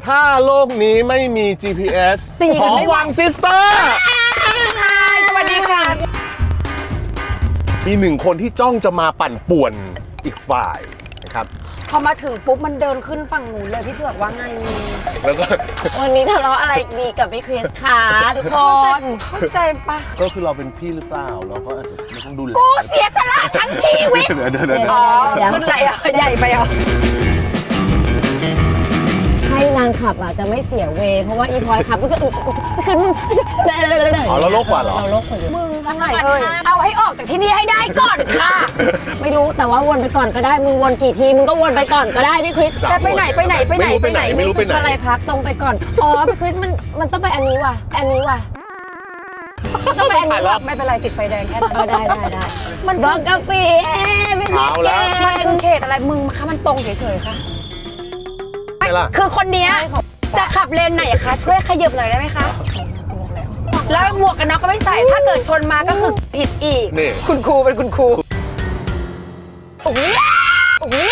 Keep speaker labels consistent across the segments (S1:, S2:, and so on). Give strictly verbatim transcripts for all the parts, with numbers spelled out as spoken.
S1: ถ้าโลกนี้ไม่มี จี พี เอส
S2: ตีกัน
S1: ขอ
S2: ไม่ไหว
S1: วังซิสเตอร์
S2: สวัสดีค่ะ
S1: มีหนึ่งคนที่จ้องจะมาปั่นป่วนอีกฝ่ายนะครับ
S2: พอมาถึงปุ๊บมันเดินขึ้นฝั่งหนูเลยพี่เผือกว่าไง
S1: แล้วก็
S3: วันนี้ทะเลาะอะไรดีกับพี่คริสคะทุกค
S2: เข้าใจ
S3: น
S2: เข้าใจปะ
S1: ก็คือเราเป็นพี่หรือเปล่า เราก็อาจจะไม่ต้องดูแล
S2: กูเสียสละทั้งชีวิต
S1: เดี๋ยวเดี๋ยวเดี๋ยวเดี๋ยว
S2: อ๋อขึ้นอะไรอ่ะใหญ่ไปอ่ะ
S3: ให้นางขับอ่ะจะไม่เสียเวย์เพราะว่าอีพลอยขับก็คือคือมึง
S1: อ๋อเราโลกกว่าเหรอ
S3: เราโลกกว่าอยู่
S2: มึงทำไมเอ่ยเอาให้ออกจากที่นี่ให้ได้ก่อนค่ะ
S3: ไม่รู้แต่ว่าวนไปก่อนก็ได้มึงวนกี่ทีมึงก็วนไปก่อนก็ได้พี่คริส
S2: แต่ไปไหนไปไหนไปไหนไปไหน
S1: ไม่รู้ไปไหน
S3: อะไรพักตรงไปก่อนอ๋อพี่คริสมันมันต้องไปอันนี้ว่ะอันนี้ว่ะต้องไปอันนี้ว่ะ
S2: ไม่เป็นไรติดไฟแดงแค่นั้น
S3: เออได้ได้ได้
S2: มัน
S3: บอกกาแฟไม่มี
S1: เอาแล้ว
S2: มันคือเขตอะไรมึงคะมันตรงเฉยๆค่ะ
S1: ไม่ล่ะ
S2: คือคนเนี้ยจะขับเลนไหนคะช่วยขยับหน่อยได้ไหมคะแล้วหมวกกันน็อกก็ไม่ใส่ถ้าเกิดชนมาก็คือผิดอีก
S1: นี่
S2: คุณครูเป็นคุณครูโอ้ยโอ้ย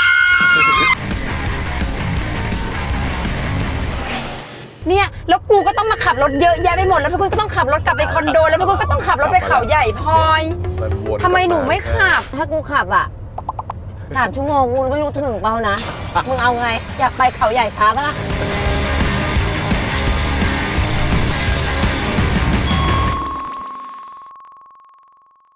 S2: เนี่ยแล้วกูก็ต้องมาขับรถเยอะแยะไปหมดแล้วพี่คุณก็ต้องขับรถกลับไปคอนโดแล้วพี่คุณก็ต้องขับรถไปเขาใหญ่พลอย
S1: มันวน
S2: ทำไมหนูไม่ขับ
S3: ถ้ากูขับอ่ะสามชั่วโมงกูไม่รู้ถึงเปล่านะมึงเอาไงอยากไปเขาใหญ่ช้าปะล่ะ